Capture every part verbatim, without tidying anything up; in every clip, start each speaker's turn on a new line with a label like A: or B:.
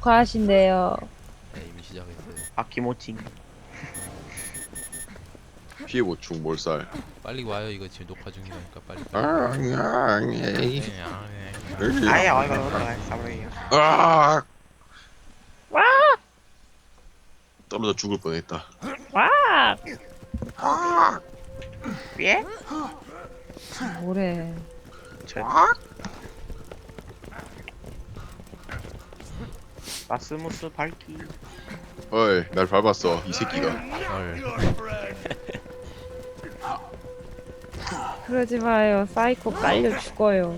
A: 녹화하신대요.
B: 네, 이미 시작했어요.
C: 아키모칭.
D: 피해 보충 몰살.
B: 빨리 와요. 이거 지금 녹화 중이니까 빨리.
D: 아,
B: 빨리.
D: 아,
B: 네,
D: 에이.
B: 아, 네.
C: 아예 어이가 없다. 사버려요.
D: 아,
A: 와!
D: 떨어져 죽을 뻔했다.
A: 와!
C: 예?
A: 뭐래.
C: 저... 마스무스 밝기.
D: 어이, 날 밟았어 이 새끼가.
B: 헐.
A: 그러지 마요. 사이코 깔려 죽어요.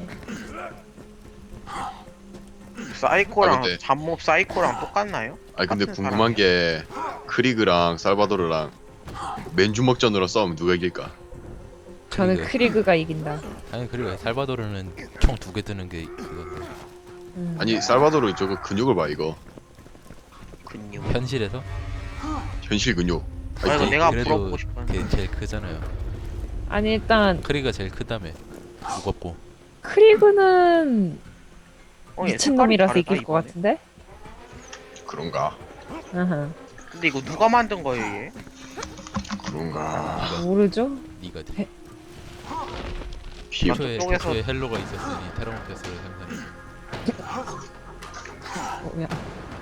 C: 사이코랑
D: 아, 근데-
C: 잡몹 사이코랑 똑같나요?
D: 아니 근데
C: 같은
D: 궁금한 게 크리그랑 살바도르랑 맨주먹전으로 싸우면 누가 이길까?
A: 저는
B: 크리그.
A: 크리그가 이긴다.
B: 아니 그리고 살바도르는 총 두 개 드는 게 그건데
A: 음.
D: 아니 살바도르 저거 근육을 봐 이거.
C: 근육.
B: 현실에서
D: 현실 근육.
C: 아 이거
D: 아니,
C: 내가
B: 그래도
C: 물어보고 싶었는데.
B: 걔 제일 크잖아요.
A: 아니 일단
B: 크리가 제일 크다며. 무겁고.
A: 크리그는
C: 어, 얘
A: 미친놈이라서
C: 색깔이
A: 이길
C: 다르다,
A: 것
C: 이번에.
A: 같은데?
D: 그런가?
A: 아하.
C: 근데 이거 누가 만든 거예요 얘?
D: 그런가?
A: 모르죠?
B: 니가
A: 해-
D: 피해
C: 아,
B: 애초에,
C: 저쪽에서-
B: 애초에 헬로가 있었으니 테라모패스를 생산했어.
A: 어, 야.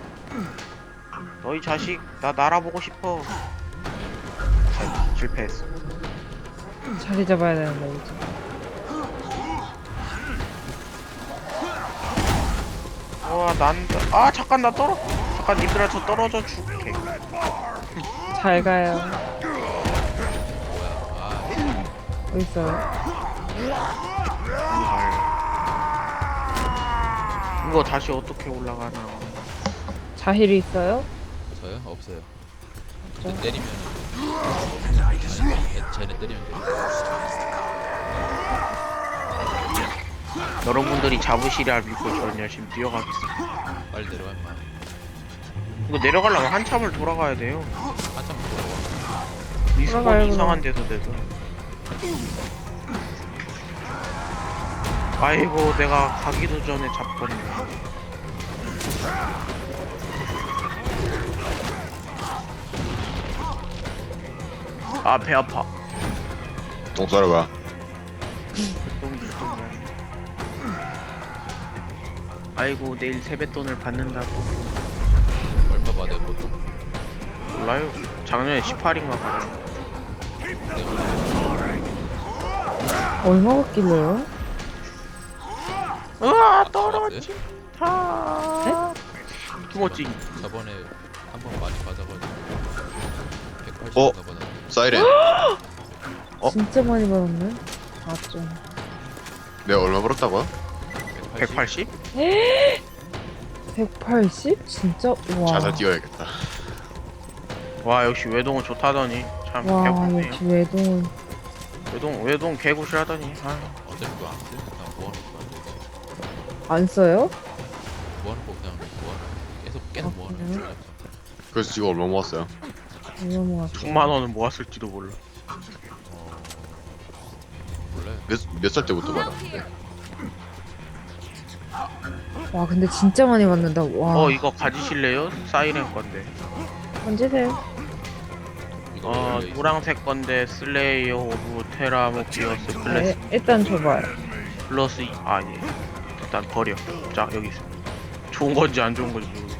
C: 너희 자식 나 날아보고 싶어. 자, 실패했어.
A: 자리 잡아야 되는데 이제.
C: 와 난다. 아 잠깐 나 떨어. 잠깐 님들아 저 떨어져 줄게.
A: 잘 가요.
B: 뭐야? 아,
A: 어디 있어요?
C: 이거 다시 어떻게 올라가나?
A: 자힐이 있어요?
B: 저요? 없어요.
A: 없죠?
B: 근데 때리면 아니, 쟤네 때리면 돼.
C: 여러분들이 잡으시랴 믿고 저는 열심히 뛰어가겠습니다.
B: 빨리 내려와 임마.
C: 이거 내려가려면 한참을 돌아가야 돼요.
B: 한참 돌아와.
C: 리스폰
A: 돌아가요,
C: 이상한 데서 돼서. 아이고 내가 가기도 전에 잡혔네. 아 배 아파.
D: 똥 싸러 가.
C: 좀, 좀. 아이고 내일 세뱃돈을 받는다고.
B: 얼마 받아요 보통?
C: 몰라요. 작년에 십팔인가 봐요.
A: 얼마 받길래요?
C: 으아
B: 떨어지.
C: 떨어진다. 투머찡.
B: 저번에 한 번 많이 받아가지고 백팔십
D: 어?
B: 받아.
D: 사이렌. 어?
A: 진짜 많이 받았네. 아 좀.
D: 내가 얼마 벌었다고요?
C: 백팔십?
A: 백팔십? 진짜? 와.
D: 자살 뛰어야겠다.
C: 와 역시 외동은 좋다더니 참
A: 와
C: 개구네요.
A: 역시 외동은
C: 외동 외동 개구시하더니. 아.
B: 어차피 그거 안 쓰면 그냥 모아놓고 안 돼.
A: 안 써요?
B: 모아놓고 그냥 모아놓고 계속 계속
A: 아,
B: 모아놓고
A: 그래요?
B: 그냥.
D: 그래서 지금 얼마 모았어요?
A: 얼마 모았어?
C: 천만 원은 모았을지도 몰라.
B: 어... 몰라요.
D: 몇 몇 살 때부터 받았는데?
A: 와 근데 진짜 많이 받는다. 와.
C: 어 이거 가지실래요? 사이렌 건데.
A: 던지세요.
B: 이거
C: 어
B: 원래 있어.
C: 노란색 건데 슬레이어 오브 테라모피어스
A: 아,
C: 플러스
A: 예, 일단 줘봐요.
C: 플러스 이- 아 예. 일단 버려. 자 여기 있어. 좋은 건지 안 좋은 건지 모르겠어.